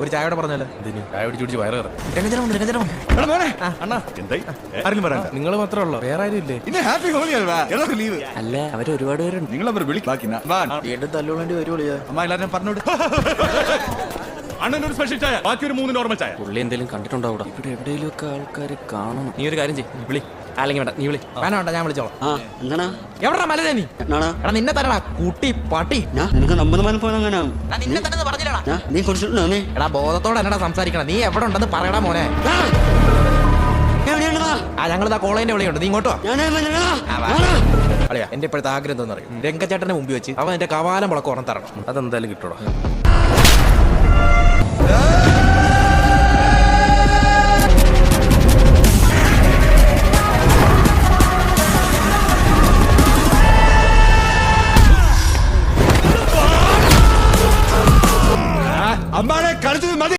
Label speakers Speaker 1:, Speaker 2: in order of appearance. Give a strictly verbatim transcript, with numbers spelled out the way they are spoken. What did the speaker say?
Speaker 1: ഒരു ചായയോടെ പറഞ്ഞല്ലോ.
Speaker 2: ചായ പിടിച്ച് പിടിച്ച് വയറ് കയറും.
Speaker 1: രംഗജനമുണ്ട് രംഗജനം.
Speaker 2: നിങ്ങൾ മാത്രമേ ഉള്ളൂ, വേറെ ആരും ഇല്ലേ?
Speaker 1: അല്ല അവര് ഒരുപാട് പേരുണ്ട്.
Speaker 3: നിങ്ങൾ അവർ വിളിക്കാക്കിന
Speaker 1: വീണ്ടും തല്ലുകൊള്ളേണ്ടി വരുള്ളൂ.
Speaker 3: അമ്മ എല്ലാരും പറഞ്ഞോട്.
Speaker 2: അണ്ണൻ ഒരു സ്പെഷ്യൽ ചായ, ബാക്കി ഒരു മൂന്ന് നോർമൽ ചായ.
Speaker 1: പുള്ളി എന്തെങ്കിലും കണ്ടിട്ടുണ്ടാവും. ഇവിടെ എവിടെയെങ്കിലും ഒക്കെ ആൾക്കാർ കാണണം. നീ ഒരു കാര്യം ചെയ്യ്, വിളി. അല്ലെങ്കിൽ വേണ്ട, നീ വിളി. വേണ്ട വേണ്ട, ഞാൻ വിളിച്ചോളാം. എവിടാ മലരെ നീ? എടാ നിന്നെ തരടാ കുട്ടി പട്ടി.
Speaker 4: നിനക്ക് നമ്മത് മല പോയത് അങ്ങനെ
Speaker 1: നിന്നെ തന്നെ പറഞ്ഞില്ലടാ.
Speaker 4: നീ കുടിച്ചിട്ടുണ്ടോ? നീ
Speaker 1: എടാ ബോധത്തോടെ എന്നടാ സംസാരിക്കണം. നീ എവിടെ ഉണ്ടെന്ന് പറയടാ മോനെ. ആ ഞങ്ങളിതാ കോളേജിന്റെ വിളിയുണ്ട്, നീ ഇങ്ങോട്ടോ. അളിയാ എന്റെ ഇപ്പോഴത്തെ ആഗ്രഹം എന്താണെന്ന് അറിയും? രംഗച്ചേട്ടനെ മുമ്പിൽ വെച്ച് അവൻ എന്റെ കവാലം മുളക്ക് ഓർമ്മ തരണം.
Speaker 2: അതെന്തായാലും കിട്ടൂടാ.
Speaker 3: അമ്മാനെ കളിച്ചത് മതി.